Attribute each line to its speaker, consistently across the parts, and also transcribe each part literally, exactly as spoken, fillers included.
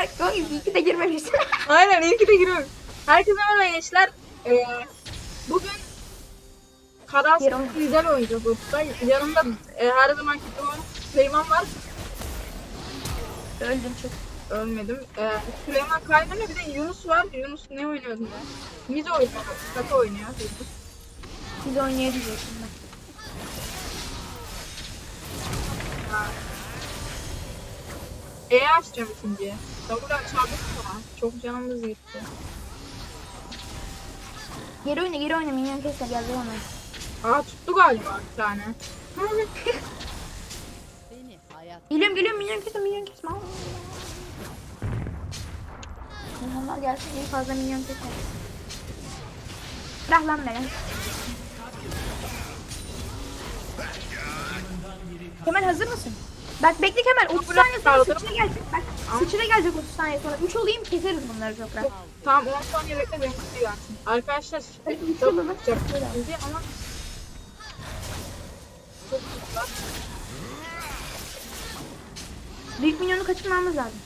Speaker 1: Kanka iyi ki de girmemişsin.
Speaker 2: Aynen iyi ki de giriyorum. Herkese merhaba gençler. Ee, bugün Karas
Speaker 1: Bir oyun.
Speaker 2: güzel oynayacağız Utku. Yanımda e, her zamanki gibi Süleyman var.
Speaker 1: Öldüm çok.
Speaker 2: Ölmedim. Ee, Süleyman kaydımda bir de Yunus var. Yunus ne oynuyordu ya? Miz oynuyor. Kata oynuyor. Yunus.
Speaker 1: Biz oynayabiliriz şimdi.
Speaker 2: E açacağım ikinciye. W'dan çarpık mı? Çok canımız gitti.
Speaker 1: Geri oyna geri oyna minyon kesle geldi ona.
Speaker 2: Aa tuttu galiba bir tane.
Speaker 3: Beni hayat
Speaker 1: Geliyorum geliyorum minyon kesme minyon kesme. Minyonlar gelsin iyi fazla minyon kesme. Bırak lan beni. Kemal hazır mısın? Bak bekle Kemal otuz saniye sonra
Speaker 2: kaldırım.
Speaker 1: sıçra gelecek. Bak sıçra gelecek otuz saniye sonra. üç olayım keseriz bunları çok rahat.
Speaker 2: Tamam on saniye bekle benim kutuyu gelsin. Arkadaşlar
Speaker 1: Evet, üç
Speaker 2: çok
Speaker 1: oldu lan.
Speaker 2: tutacak bizi ama çok tuttular.
Speaker 1: Büyük minyonu kaçırmamız lazım.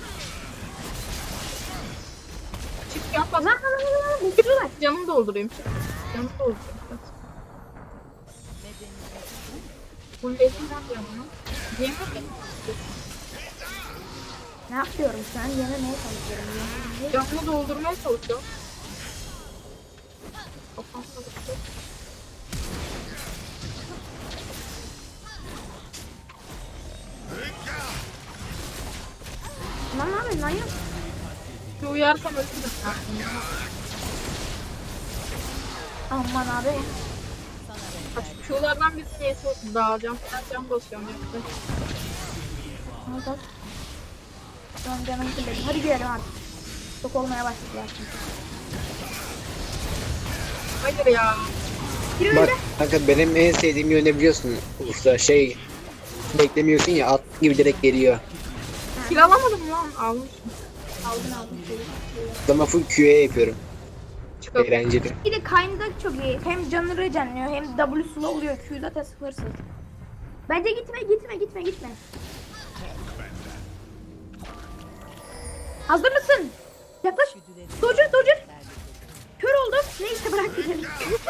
Speaker 2: Çık yan pas.
Speaker 1: Lan lan lan lan uçuyorlar.
Speaker 2: Canımı doldurayım. Çık. Canımı doldurayım. Fullledim ben canımı. Yemin ederim.
Speaker 1: Ne yapıyorum şu an? Yenemeye çalışıyorum. Yenemeye-
Speaker 2: Canımı doldurmaya çalışıyorum. Kafam karıştı.
Speaker 1: Lan ne yapıyorsun lan yok.
Speaker 2: Bir uyarsam ölürüm.
Speaker 1: Aman abi.
Speaker 2: Şulardan bir neyse dağılacağım. Ben can basıyorum. Yoksa.
Speaker 1: Al al. Şu an canım kirledim. Hadi girelim artık. Çok olmaya başladılar çünkü.
Speaker 2: Hayır ya.
Speaker 1: Gir
Speaker 4: Bak
Speaker 1: öyle.
Speaker 4: kanka benim en sevdiğim yönü biliyorsun usta şey beklemiyorsun ya at gibi direkt geliyor.
Speaker 2: Kill alamadım lan. Almışım.
Speaker 1: Aldın aldın.
Speaker 4: Ama full Q'ye yapıyorum.
Speaker 2: Çıkalım.
Speaker 4: Eğlenceli.
Speaker 1: Bir de Kayn'da çok iyi. Hem canı regenliyor hem W'sulu oluyor. Q zaten sıfırsız. Bence gitme gitme gitme gitme. Hazır mısın? Yaklaş. Dodger Dodger. Kör oldum. Neyse bırak gidelim.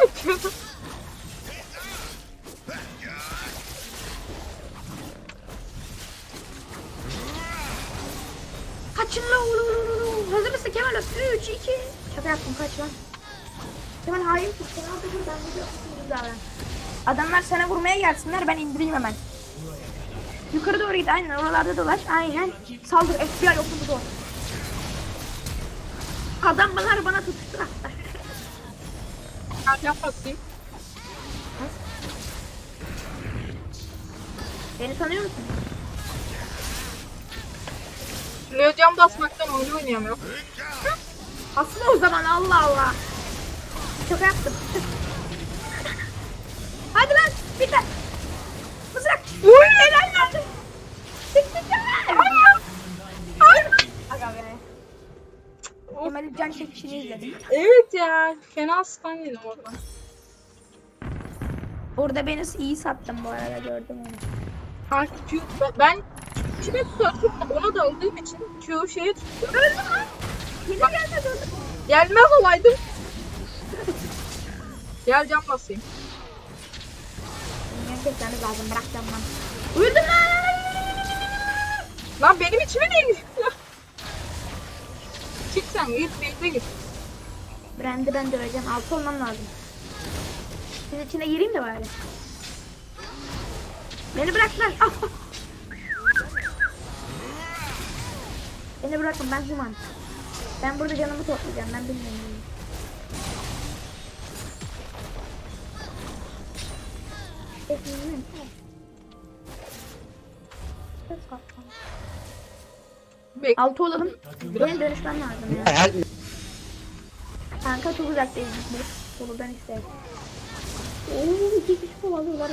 Speaker 1: Kaçın la oğlum. Hazır mısın Kemal? üç, iki. Şaka yaptım kaç lan. Kemal hain tut. Kemal da dur ben de davran. Adamlar sana vurmaya gelsinler ben indireyim hemen. Yukarı doğru git aynen oralarda dolaş aynen. Saldır F B I yok mu bu? Adamlar bana tutuştu hatta.
Speaker 2: Can basayım.
Speaker 1: Beni tanıyor musun?
Speaker 2: Leo can basmaktan oyun oynayamıyorum.
Speaker 1: Aslında o zaman Allah Allah. Şaka yaptım. Hadi lan bir tane. Mızrak. Uy helal lan. Aga be. Kemal'in can çekişini izledim.
Speaker 2: Evet ya. Fena stun yedim oradan.
Speaker 1: Orada beni iyi sattım bu arada gördüm onu.
Speaker 2: Kanka Q, ben- ben kime tutup ona da aldığım için Q şeye tuttum.
Speaker 1: Öldüm lan. Yine gelmez öldüm.
Speaker 2: Gelmez olaydım. Gel can basayım.
Speaker 1: Bilmiyorum kesmemiz lazım bırakacağım lan. Uyudum lan.
Speaker 2: Lan benim içime niye gidiyor? Çık sen git bekle git.
Speaker 1: Brand'i ben döveceğim. Altı olmam lazım. Sizin içine gireyim de bari. Beni bırak lan. Ah, ah. Beni bırakın ben human. Ben burada canımı toplayacağım. Ben bilmiyorum.
Speaker 2: Bekle.
Speaker 1: Altı olalım. Benim dönüşmem lazım ya.
Speaker 4: Her
Speaker 1: Kanka çok uzaktayız biz. Soludan işte. Ooo iki kişi kovalıyorlar.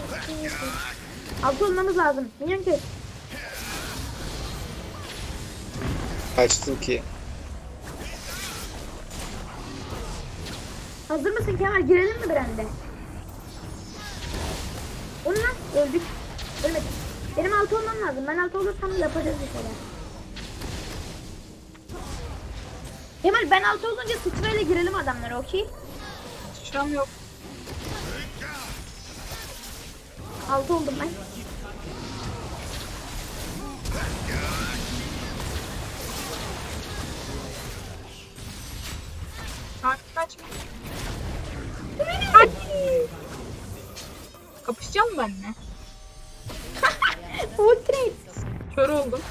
Speaker 1: Altı olmamız lazım. Minyon kes.
Speaker 4: kaçtım ki.
Speaker 1: Hazır mısın Kemal? Girelim mi Brand'e? Onu lan öldük. Ölmedik. Benim altı olmam lazım. Ben altı olursam yapacağız bir şeyler. Kemal ben altı olunca sıçrayla girelim adamlara, okey?
Speaker 2: Sıçram yok.
Speaker 1: altı oldum ben.
Speaker 2: Kanka kaçma. Hadi. Kapışacağım mı benimle?
Speaker 1: Ultimate.
Speaker 2: Kör oldum.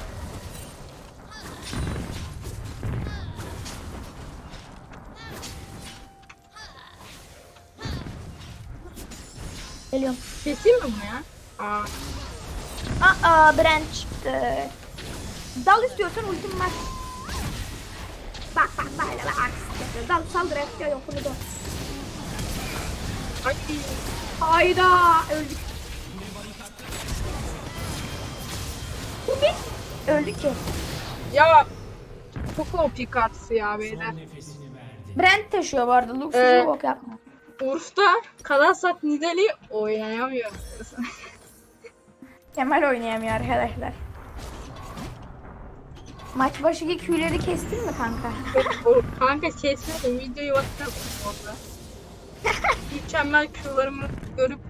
Speaker 1: Geliyorum.
Speaker 2: Keseyim mi bunu ya? Aa.
Speaker 1: Aa Brent çıktı. Dal istiyorsan ultim var. Bak bak böyle bak. Dal saldır F yok bunu da.
Speaker 2: Hadi.
Speaker 1: Hayda öldük. Bu bir. Öldük ki.
Speaker 2: Ya. Çok O P kartısı ya beyler.
Speaker 1: Brent taşıyor bu arada. Luxus'u
Speaker 2: Ee,
Speaker 1: bok yapma.
Speaker 2: Urf'ta Kalasat Nidali oynayamıyor.
Speaker 1: Kemal oynayamıyor arkadaşlar. Maç başı iki Q'leri kestin mi kanka?
Speaker 2: O- Kanka kesmedim. Videoyu WhatsApp orada. Mükemmel Q'larımı görüp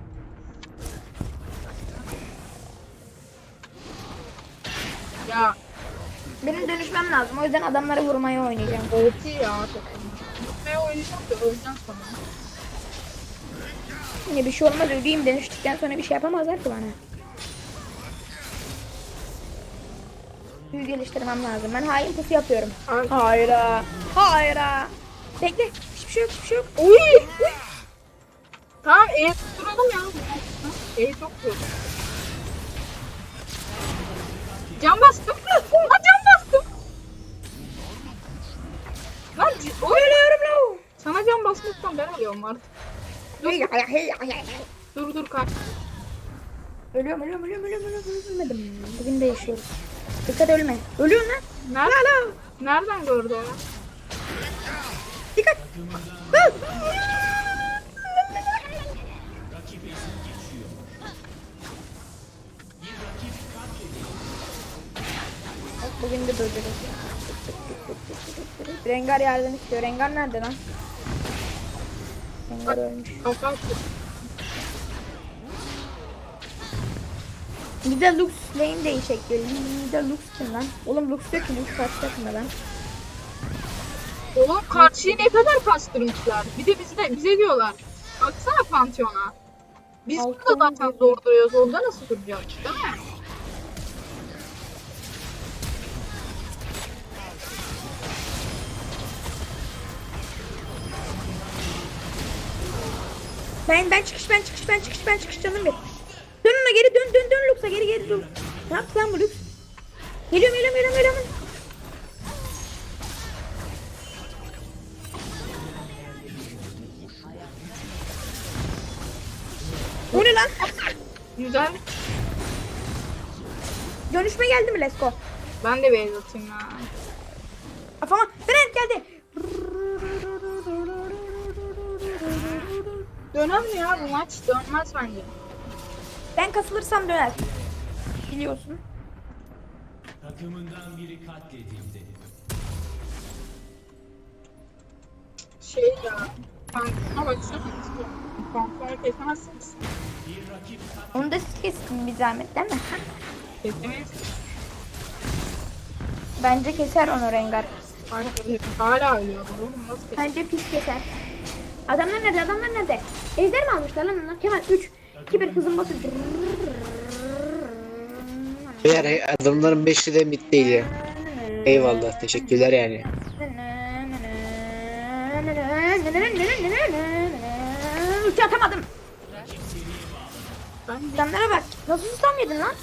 Speaker 2: ya
Speaker 1: Benim dönüşmem lazım. O yüzden adamları vurmaya oynayacağım.
Speaker 2: O P ya takım. Ne oynayacağım da öleceğim sonra.
Speaker 1: Yine bir şey olmaz. Öleyim dönüştükten sonra bir şey yapamazlar ki bana. Büyü geliştirmem lazım. Ben hain pusu yapıyorum.
Speaker 2: Ay.
Speaker 1: Hayra. Hayra. Bekle. Hiçbir şey yok. Hiçbir şey yok.
Speaker 2: Uy! Uy! Tamam E tutturalım ya. E çok zor. Can bastım. Lan can bastım. Lan c- oy!
Speaker 1: Ölüyorum lan.
Speaker 2: Sana can basmaktan ben ölüyorum artık. Dur dur dur kalk.
Speaker 1: Ölüyorum, ölüyorum, ölüyorum, ölüyorum, ölüyorum, ölmedim. Bugün de yaşıyoruz. Dikkat ölme. Ölüyorsun lan.
Speaker 2: Nereden? Nereden gördü o ya?
Speaker 1: Dikkat. Bugün de böyle. Rengar yardım istiyor. Rengar nerede lan? Rengar ölmüş.
Speaker 2: Kafa attı.
Speaker 1: Bir de Lux lane değişik geliyor. Bir de Lux kim lan? Oğlum Lux yok ki, Lux kaç takımda lan?
Speaker 2: Oğlum karşıyı ne kadar kastırmışlar. Bir de bize, bize diyorlar. Baksana Pantheon'a. Biz
Speaker 1: Altı
Speaker 2: burada zaten
Speaker 1: on bir.
Speaker 2: zor duruyoruz. Orada nasıl duracağız değil mi?
Speaker 1: Ben ben çıkış ben çıkış ben çıkış ben çıkış canım bir. Dön ona geri dön dön dön Lux'a geri geri dön. Ne yaptı lan bu Lux? Geliyorum geliyorum geliyorum geliyorum. Bu ne lan?
Speaker 2: Güzel.
Speaker 1: Dönüşme geldi mi Lesko?
Speaker 2: Ben de beyaz atayım ya.
Speaker 1: Afama Brent geldi.
Speaker 2: Döner mi ya bu maç? Dönmez bence.
Speaker 1: Ben kasılırsam döner. Biliyorsun.
Speaker 3: Takımından biri katledildi.
Speaker 2: Şey ya. Pantheon'a baksana. Pantheon'u kesemezsiniz.
Speaker 1: Onu da siz kesin bir zahmet değil mi?
Speaker 2: Kesemeyiz.
Speaker 1: Bence keser onu Rengar.
Speaker 2: Hala ölüyor. Oğlum nasıl keser?
Speaker 1: Bence pis keser. Adamlar nerede? Adamlar nerede? Ejder mi almışlar lan onlar? Kemal üç, iki, bir hızın bası.
Speaker 4: Eğer adamların beşi de mid değil ya. Eyvallah, teşekkürler yani.
Speaker 1: Ulti atamadım.
Speaker 2: Ben de
Speaker 1: Adamlara bak. Nasıl susam yedin lan?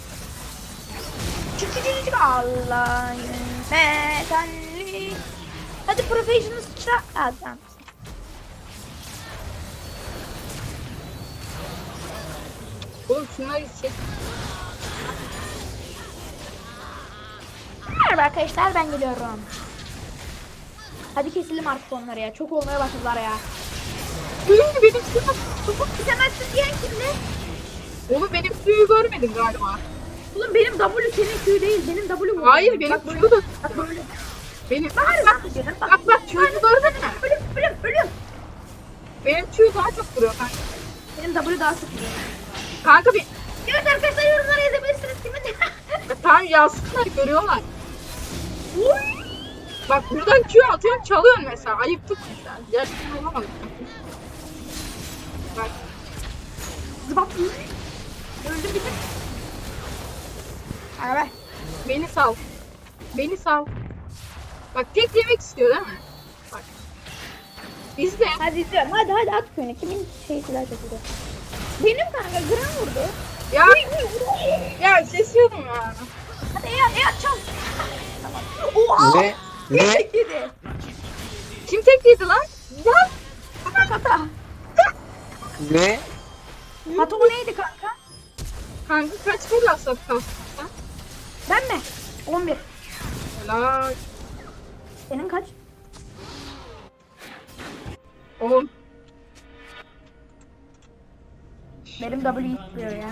Speaker 1: Çık çık çık çık. Allah'ın metalli. Hadi professional sıçra. Adam.
Speaker 2: oğlum şunları çek.
Speaker 1: Merhaba arkadaşlar, ben geliyorum. Hadi keselim artık onları ya. Çok olmaya başladılar ya.
Speaker 2: Benim benim suyu.
Speaker 1: Kesemezsin diyen kimdi?
Speaker 2: Oğlum benim suyu görmedin galiba.
Speaker 1: Oğlum benim W senin Q değil. Benim W bu.
Speaker 2: Hayır benim
Speaker 1: Bak böyle.
Speaker 2: suyu da.
Speaker 1: Bak böyle.
Speaker 2: Benim
Speaker 1: Bak
Speaker 2: bak
Speaker 1: bak
Speaker 2: bak
Speaker 1: bak.
Speaker 2: bak bak Q'yu gördün mü?
Speaker 1: Ölüm ölüm ölüm.
Speaker 2: Benim Q daha çok vuruyor kanka.
Speaker 1: Benim W daha sık vuruyor.
Speaker 2: Kanka bir
Speaker 1: Evet arkadaşlar yorumlara yazabilirsiniz kimin.
Speaker 2: ya, tamam yazsınlar görüyorlar. Bak buradan Q atıyorum çalıyorsun mesela. Ayıptık mesela. Gerçekten olamadık. Bak
Speaker 1: Zıbap. Öldüm bir tek. Hadi be.
Speaker 2: beni sal. Beni sal. Bak tek yemek istiyor değil mi? Bak. Biz de
Speaker 1: Hadi izliyorum. Hadi hadi at köyüne. Kimin şeysi daha çok vuruyor? Benim kanka gram vurdu.
Speaker 2: ya ya sesiyordum ya.
Speaker 1: Hadi ya ya çal. Oha.
Speaker 4: Ne? Ne?
Speaker 1: Tek yedi.
Speaker 2: Kim tek yedi lan? Lan.
Speaker 1: Kata kata.
Speaker 4: Ne?
Speaker 1: Kata o neydi kanka?
Speaker 2: Kanka kaç kere aslat kastın sen?
Speaker 1: Ben mi? on bir.
Speaker 2: Helal.
Speaker 1: Senin kaç?
Speaker 2: on.
Speaker 1: Benim W istiyor ya.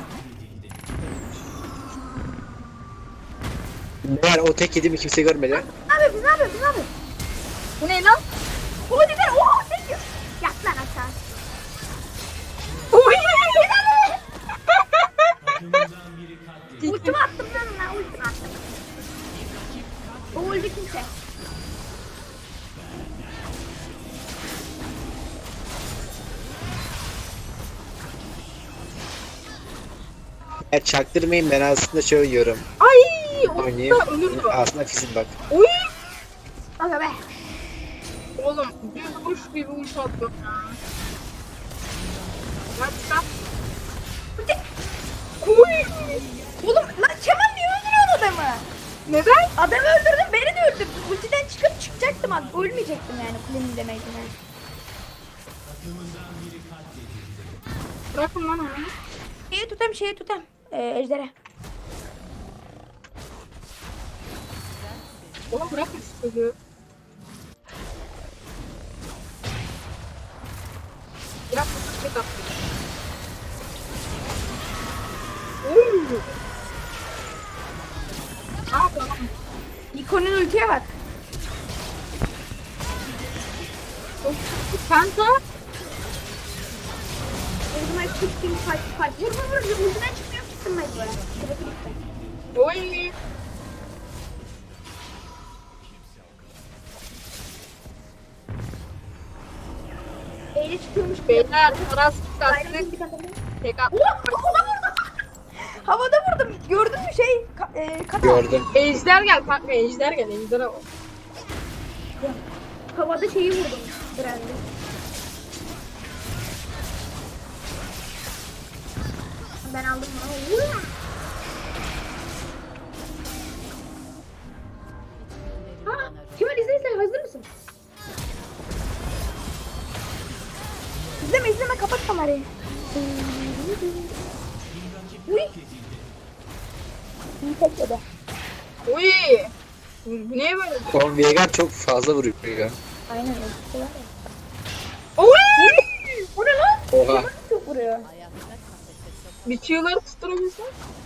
Speaker 4: Meğer o tek yediğimi kimse görmedi.
Speaker 1: Ne yapıyorsun? Ne yapıyorsun? Ne yapıyorsun?
Speaker 2: Bu ne lan?
Speaker 1: O güzel. Oha tek yiyor. Yat lan aşağı.
Speaker 2: Oy!
Speaker 1: Ultimi attım lan ona. Ultimi attım. O öldü kimse.
Speaker 4: Ya çaktırmayın, ben aslında şöyle yiyorum.
Speaker 2: Ay!
Speaker 4: Oynayayım.
Speaker 2: Orada ölürdü.
Speaker 4: Aslında fizim bak.
Speaker 2: Oy!
Speaker 1: Aga be.
Speaker 2: Oğlum bir vuruş bir vuruş attım ya. Lan çıkar. Oy!
Speaker 1: Oğlum lan Kemal niye öldürüyorsun adamı?
Speaker 2: Neden?
Speaker 1: Adamı öldürdün beni de öldürdün. Ultiden çıkıp çıkacaktım abi. Ölmeyecektim yani kulenin demeydim yani.
Speaker 2: Bırakın lan onu.
Speaker 1: Şeyi tutam şeyi tutam. Ee, ejdere.
Speaker 2: Oğlum bırakın şu çocuğu. Bırak bir dakika. Oy! Aa tamam.
Speaker 1: Nikon'un ultiye bak.
Speaker 2: Penta.
Speaker 1: Ultime çıktım fight fight. Vur vur vur. Ultiden çıkmıyor çıktım ben böyle. Sırası gitti.
Speaker 2: Oy!
Speaker 1: Eyle çıkıyormuş.
Speaker 2: Beyler Aras
Speaker 1: Aynen
Speaker 2: kastık.
Speaker 1: bir tane.
Speaker 2: Tek at.
Speaker 1: Ulan havada vurdum. Havada vurdum. Gördün mü şey? Ka e, kata.
Speaker 4: Gördüm.
Speaker 2: Ejder gel kanka ejder gel ejder al.
Speaker 1: Havada şeyi vurdum. Brand'i. Ben aldım bunu. Ulan. Ha, Kemal izle izle. Hazır mısın? İzleme izleme. Kapat kamerayı. Uy. İyi tekledi.
Speaker 2: Oy! Bu bu niye böyle?
Speaker 4: Oğlum Veigar çok fazla vuruyor ya.
Speaker 1: Aynen öyle. Şey var ya.
Speaker 2: Oy!
Speaker 1: O ne lan?
Speaker 4: Oha.
Speaker 1: Kemal çok vuruyor.
Speaker 2: Bir çığları tutturabilsen.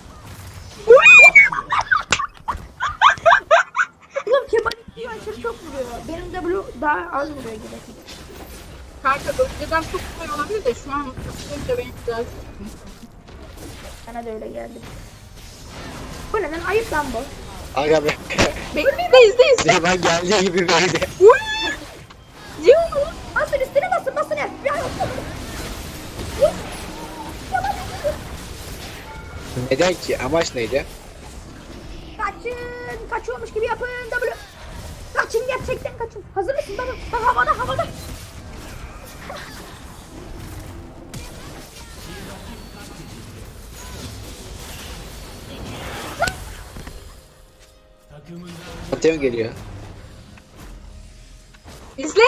Speaker 1: Oğlum Kemal diyor aşırı çok vuruyor. Benim W daha az vuruyor gibi.
Speaker 2: Kanka önceden çok kolay olabilir de şu an tutunca beni güzel tuttun.
Speaker 1: Bana da öyle geldi. Bu ne lan? Ayıp lan bu.
Speaker 4: Aga be.
Speaker 2: Bekle izle izle.
Speaker 4: Süleyman geldiği gibi böyle.
Speaker 2: Oy! Yiyor mu?
Speaker 1: Basın üstüne basın basın ya. Ya
Speaker 4: Neden ki? Amaç neydi?
Speaker 1: kaçın. Kaçıyormuş gibi yapın. W. Kaçın gerçekten kaçın. Hazır mısın? Bak, bak havada havada.
Speaker 4: Pantheon geliyor.
Speaker 2: İzle.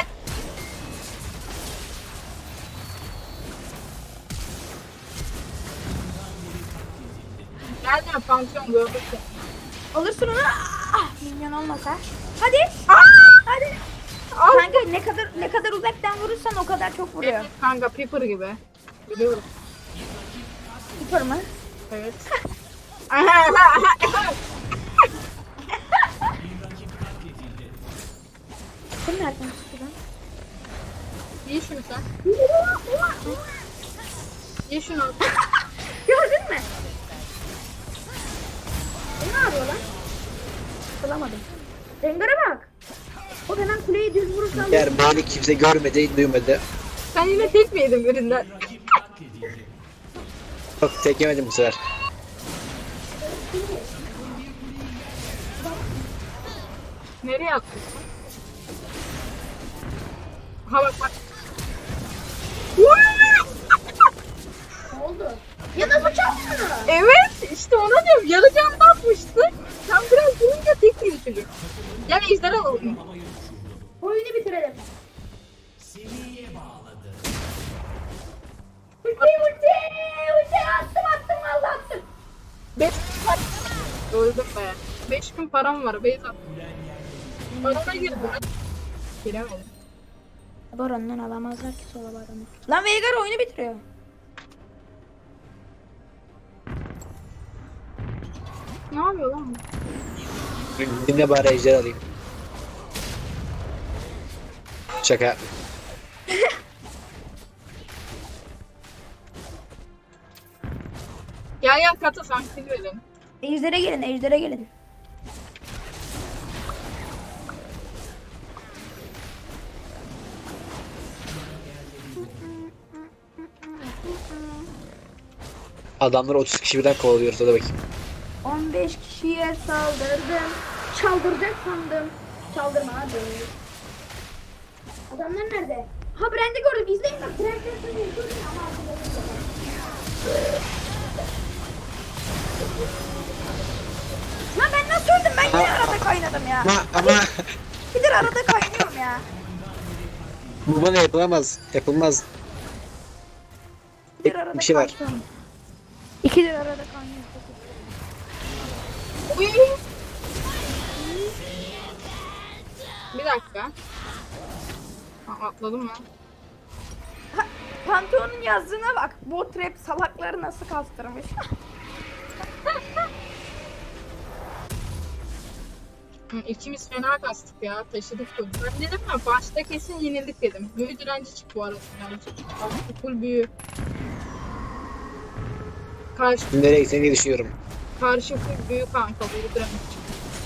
Speaker 2: Nereden pansiyon gördük ya.
Speaker 1: Alırsın onu. Ah, minyon olmasa. Hadi.
Speaker 2: Aa!
Speaker 1: Hadi.
Speaker 2: Al.
Speaker 1: Kanka ne kadar ne kadar uzaktan vurursan o kadar çok vuruyor.
Speaker 2: Evet kanka Piper gibi. Biliyorum.
Speaker 1: Süper mı?
Speaker 2: Evet.
Speaker 1: Sen nereden çıktı lan?
Speaker 2: Ye şunu sen. Ye şunu.
Speaker 1: Gördün mü? E, ne yapıyor lan? Bulamadım. Rengar'a bak. O hemen kuleyi düz vurursa alıyor.
Speaker 4: Eğer beni kimse görmedi, duymadı.
Speaker 2: Sen yine tek mi yedin birinden?
Speaker 4: Yok tek yemedim bu sefer.
Speaker 2: Nereye attın? Ha bak bak.
Speaker 1: Ne oldu? Ya da bıçak mı?
Speaker 2: Evet işte ona diyorum yarı canlı atmıştı. Sen biraz vurunca tek yedi çocuk. Yani ejderha alalım.
Speaker 1: Oyunu bitirelim. Ulti ulti ulti attım attım valla attım.
Speaker 2: Beş öldüm be. Beş gün param var. Beyz attım. Barona girdim. Giremedim.
Speaker 1: Baron'dan alamazlar ki sola Baron'u. Lan Veigar oyunu bitiriyor.
Speaker 2: Ne yapıyor lan bu?
Speaker 4: Dinle bari ejder alayım. Şaka.
Speaker 2: Gel gel kata sen kill verin.
Speaker 1: Ejder'e gelin Ejder'e gelin.
Speaker 4: Adamlar otuz kişi birden kovalıyoruz, hadi bakayım.
Speaker 1: on beş kişiye saldırdım. Çaldıracak sandım. Çaldırma hadi. Adamlar nerede? Ha Brand'i gördüm. İzleyin bak. Brand'i gördüm ama arkadaşlar. Lan ben nasıl öldüm? Ben yine arada kaynadım ya.
Speaker 4: Ama ama
Speaker 1: Bir arada kaynıyorum ya.
Speaker 4: bu bana yapılamaz. Yapılmaz.
Speaker 1: Bir arada
Speaker 4: Bir şey var.
Speaker 1: kaynıyorum. İkidir arada kaynıyorum.
Speaker 2: Uy. Bir dakika. Ha, atladım lan.
Speaker 1: Ha, Pantheon'un yazdığına bak. Bot rap salakları nasıl kastırmış.
Speaker 2: Hı, İkimiz fena kastık ya. Taşıdık bunu. Ben dedim ya başta kesin yenildik dedim. Büyü direnci çık bu arada. Yani full büyü. Karşı,
Speaker 4: Nereye gitsen diye düşünüyorum.
Speaker 2: karşı full büyü kanka. Büyü direnci çık.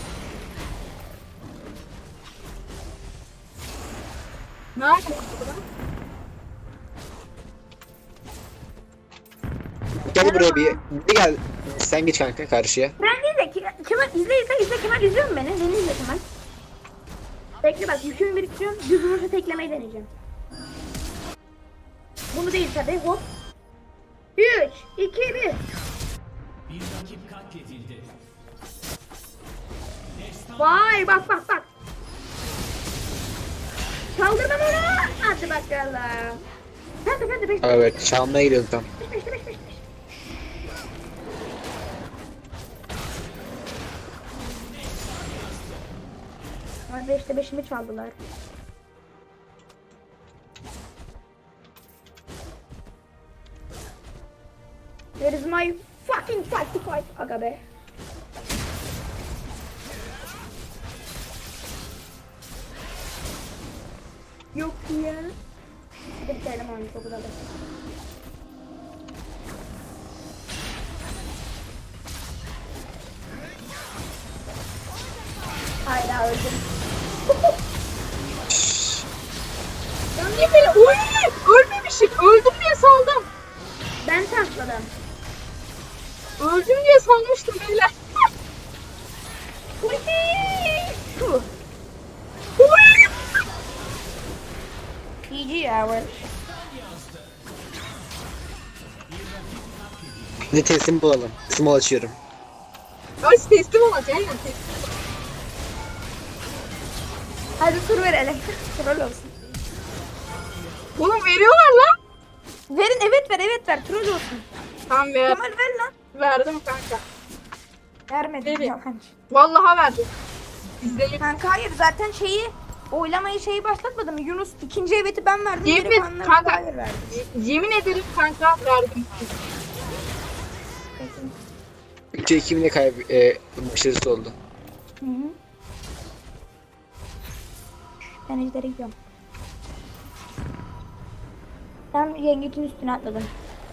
Speaker 2: Ne yapıyorsun burada?
Speaker 4: Gel buraya bir, bir gel. Sen geç kanka karşıya.
Speaker 1: Ben değil de Ke- Kemal izle izle izle Kemal izliyor mu beni? Beni izle Kemal. Bekle bak yükümü biriktiriyorum. Düz vuruşu teklemeyi deneyeceğim. Bunu değil tabi hop. üç, iki, bir.
Speaker 3: Bir rakip katledildi.
Speaker 1: Vay bak bak bak. Kaldırma bunu. Hadi bakalım. Hadi hadi beş.
Speaker 4: Evet, çalmaya gidiyorum tam.
Speaker 1: Beş beş beş beş. Ay beşte beşimi çaldılar. Where is my fucking fight to fight? Aga be. Yok ya. Hadi bitirelim oyunu çok uzadı. Hayda öldüm.
Speaker 2: Ya ne böyle? Uy! Ölmemişim. Öldüm diye saldım.
Speaker 1: Ben takladım.
Speaker 2: Öldüm diye sanmıştım beyler.
Speaker 1: Tuh. G G hour.
Speaker 4: Bir teslim bulalım. Small açıyorum.
Speaker 2: Ay teslim olacak. Aynen teslim.
Speaker 1: Hadi tur verelim. Troll olsun.
Speaker 2: Oğlum veriyorlar lan.
Speaker 1: Verin evet ver evet ver troll olsun.
Speaker 2: Tamam ver.
Speaker 1: Kemal ver lan.
Speaker 2: Verdim kanka.
Speaker 1: Vermedi.
Speaker 2: Verin.
Speaker 1: Yalancı.
Speaker 2: Vallahi verdim. İzleyin.
Speaker 1: Kanka hayır zaten şeyi oylamayı şeyi başlatmadım. Yunus ikinci eveti ben verdim.
Speaker 2: Yemin
Speaker 1: geri kalanları
Speaker 2: kanka.
Speaker 1: hayır verdim.
Speaker 2: Yemin ederim kanka verdim.
Speaker 4: üçe iki bile kayb e, başarısı oldu.
Speaker 1: Hı hı. Ben ejderi gidiyorum. Ben yengeçin üstüne atladım.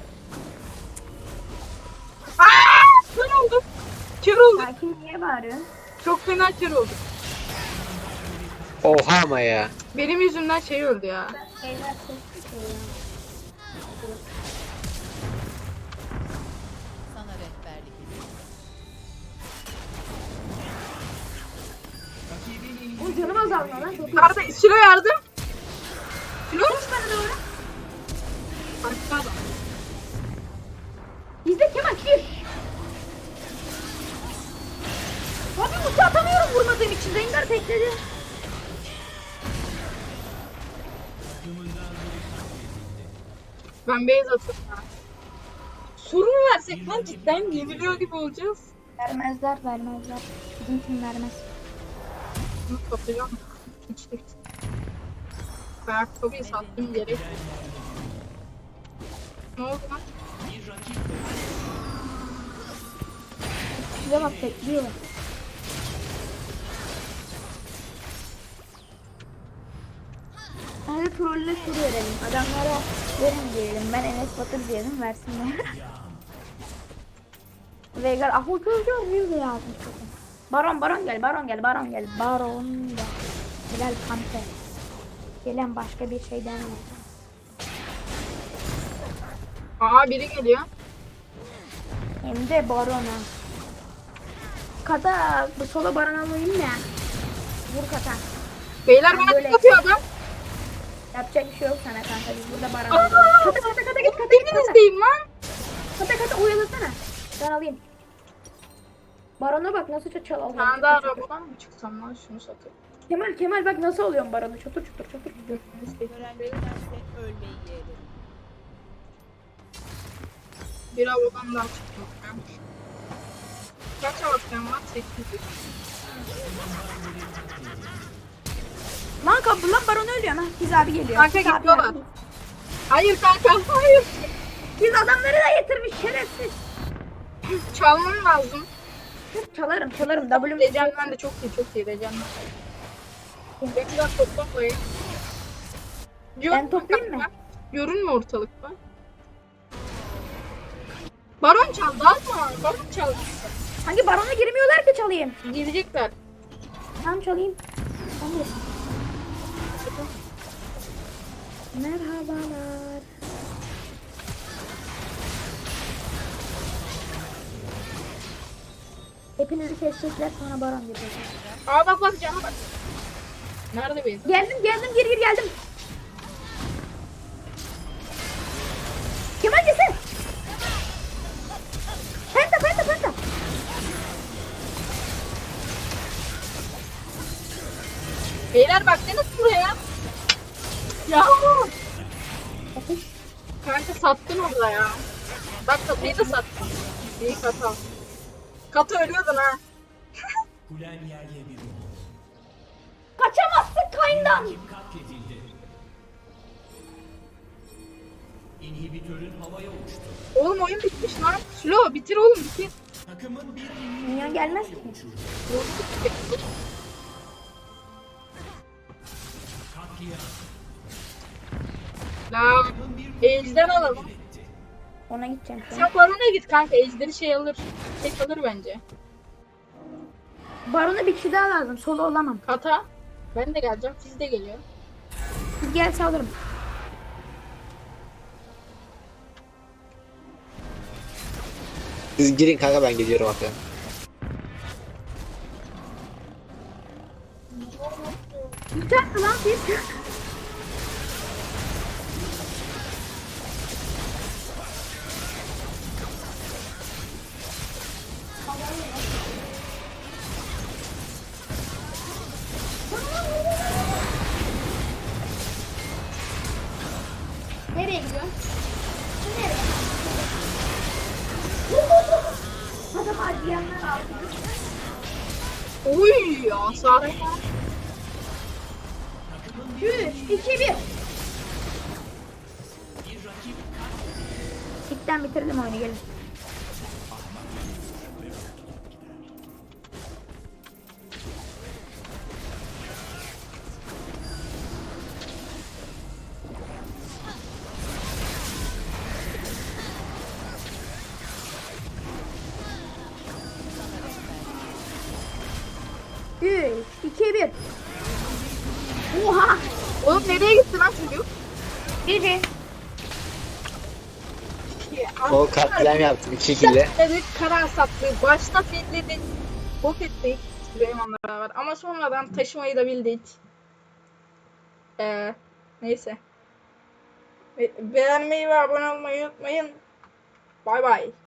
Speaker 2: Aaa! Kör oldum. Kör oldum.
Speaker 1: Sakin niye bağırıyorsun?
Speaker 2: Çok fena kör oldum.
Speaker 4: Oha ama ya.
Speaker 2: Benim yüzümden şey öldü ya.
Speaker 1: Ejder ses çıkıyor ya.
Speaker 5: Sana rehberlik ediyorum.
Speaker 1: O canım azalmıyor lan. Çok iyi.
Speaker 2: Arda Silo yardım. Silo.
Speaker 1: Koş bana doğru.
Speaker 2: Başka adam.
Speaker 1: Bizde Kemal gir. Abi ulti atamıyorum vurmadığım için. Rengar tekledi.
Speaker 2: Ben base atıyorum ya. Sorun versek lan cidden yeniliyor gibi olacağız.
Speaker 1: Vermezler vermezler. Bizim kim vermez.
Speaker 2: Bunu kapacağım. İçtik. Ayakkabıyı sattım gerek. Ne oldu lan?
Speaker 1: Size bak bekliyor. Hadi trolle tur verelim. Adamlara verin diyelim. Ben Enes Batur diyelim versinler. Veigar ah o çocuğu bir de yazmış. Baron baron gel baron gel baron gel baron gel. Gel kampe. Gelen başka bir şeyden mi?
Speaker 2: Aa biri geliyor.
Speaker 1: Hem de barona. Kata bu sola baron alayım ya. Vur kata.
Speaker 2: Beyler
Speaker 1: Ben
Speaker 2: bana
Speaker 1: böyle-
Speaker 2: tık atıyor adam.
Speaker 1: Yapacak bir şey yok sana kanka biz burada baron
Speaker 2: Aa!
Speaker 1: alıyoruz. Kata kata kata git kata git kata.
Speaker 2: Birinizdeyim lan.
Speaker 1: Kata kata oyalasana. Ben alayım. Barona bak nasıl çat çal
Speaker 2: Bir
Speaker 1: alıyorum.
Speaker 2: tane daha
Speaker 1: Çatır çatır.
Speaker 2: arabadan mı çıksam lan şunu satayım.
Speaker 1: Kemal Kemal bak nasıl alıyorum baronu çatır çatır çatır.
Speaker 5: Görenlerdense ölmeyi yeğlerim.
Speaker 2: Bir arabadan daha çıktım. Kaç avatarım var? sekiz yüz.
Speaker 1: Lan kapı lan baron ölüyor ha. Biz abi geliyor.
Speaker 2: Kanka
Speaker 1: Biz abi
Speaker 2: gidiyorlar.
Speaker 1: yardım.
Speaker 2: Hayır kanka hayır.
Speaker 1: Biz adamları da getirmiş şerefsiz.
Speaker 2: Çalmam lazım.
Speaker 1: Çalarım çalarım. W'm
Speaker 2: Legend'den de çok iyi çok iyi Legend'den. Bekler toplayın.
Speaker 1: Ben toplayayım mı?
Speaker 2: Görünme ortalıkta. Baron çaldı alma. Baron çaldı.
Speaker 1: Hangi barona girmiyorlar ki çalayım?
Speaker 2: Girecekler.
Speaker 1: Tamam çalayım. Tamam. Merhabalar. Hepinizi kesecekler sonra baron diyecekler.
Speaker 2: Aa bak bak cana bak. Nerede Beyza?
Speaker 1: Geldim geldim gir gir geldim. Kemal gelsene. Penta penta penta.
Speaker 2: Beyler baksana buraya. Ya.
Speaker 1: Ateş.
Speaker 2: Kanka sattın orada ya. Bak katayı da sattın. İyi kata. Kata ölüyordun ha.
Speaker 3: Kulen yerle bir oldu.
Speaker 1: Kaçamazsın kayından.
Speaker 3: Rakip katledildi. İnhibitörün havaya uçtu.
Speaker 2: Oğlum oyun bitmiş lan. Slow bitir oğlum bitir.
Speaker 3: Takımın bir
Speaker 1: Minyon gelmez ki.
Speaker 3: katliam.
Speaker 2: La. Ejder alalım.
Speaker 1: Ona gideceğim şu an.
Speaker 2: Sen Baron'a git kanka. Ejder'i şey alır. Tek alır bence.
Speaker 1: Barona bir kişi daha lazım. Solo olamam.
Speaker 2: Kata. Ben de geleceğim. Siz de geliyor.
Speaker 1: Siz gelse alırım.
Speaker 4: Siz girin kanka ben geliyorum hatta.
Speaker 1: Biter lan siz? Nereye gidiyorsun? Nereye? Adam harcayanlar aldı.
Speaker 2: Oy ya Sare.
Speaker 1: üç, iki, bir. İlkten bitirdim oyunu gelin. üç, iki, bir. Oha!
Speaker 2: Oğlum nereye gitti lan çocuk?
Speaker 1: Gece.
Speaker 4: O katliam yaptı bir şekilde.
Speaker 2: Dedik karar sattı. Başta fitledik. Bok ettik. Süleyman'la beraber. Ama sonradan taşımayı da bildik. Ee, neyse. Be- beğenmeyi ve abone olmayı unutmayın. Bay bay.